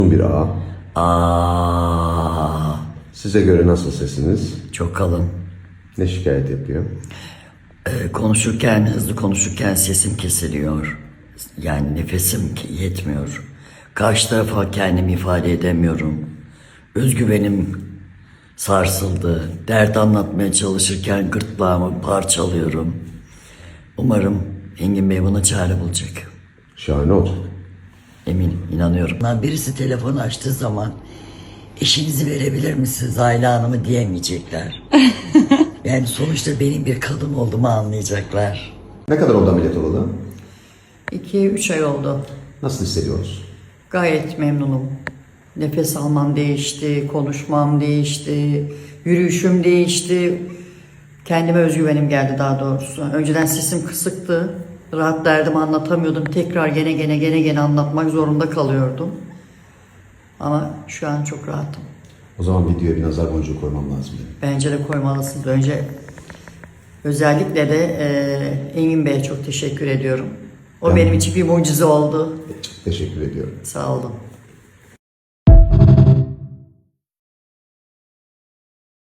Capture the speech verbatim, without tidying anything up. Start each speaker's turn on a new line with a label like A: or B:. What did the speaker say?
A: Bir A.
B: Aa,
A: Size göre nasıl sesiniz?
B: çok kalın.
A: Ne şikayet yapıyor?
B: Ee, konuşurken, hızlı konuşurken sesim kesiliyor. Yani nefesim ki- yetmiyor. Karşı tarafa kendimi ifade edemiyorum. Özgüvenim sarsıldı. Dert anlatmaya çalışırken gırtlağımı parçalıyorum. Umarım Engin Bey buna çare bulacak.
A: Şahane olacak.
B: Eminim, inanıyorum. Birisi telefon açtığı zaman eşinizi verebilir misiniz Ayla Hanım'ı diyemeyecekler. Yani sonuçta benim bir kadın olduğumu anlayacaklar.
A: Ne kadar oldu ameliyat olalı?
C: iki üç ay oldu.
A: Nasıl hissediyoruz?
C: Gayet memnunum. Nefes almam değişti, konuşmam değişti, yürüyüşüm değişti. Kendime özgüvenim geldi daha doğrusu. Önceden sesim kısıktı. Rahat derdimi anlatamıyordum. Tekrar gene gene gene gene anlatmak zorunda kalıyordum. Ama şu an çok rahatım.
A: O zaman videoya bir nazar boncuğu koymam lazım benim.
C: Bence de koymalısınız. Önce özellikle de e, Engin Bey'e çok teşekkür ediyorum. O
A: Tamam.
C: benim için bir mucize oldu.
A: Çok teşekkür ediyorum.
C: Sağ olun.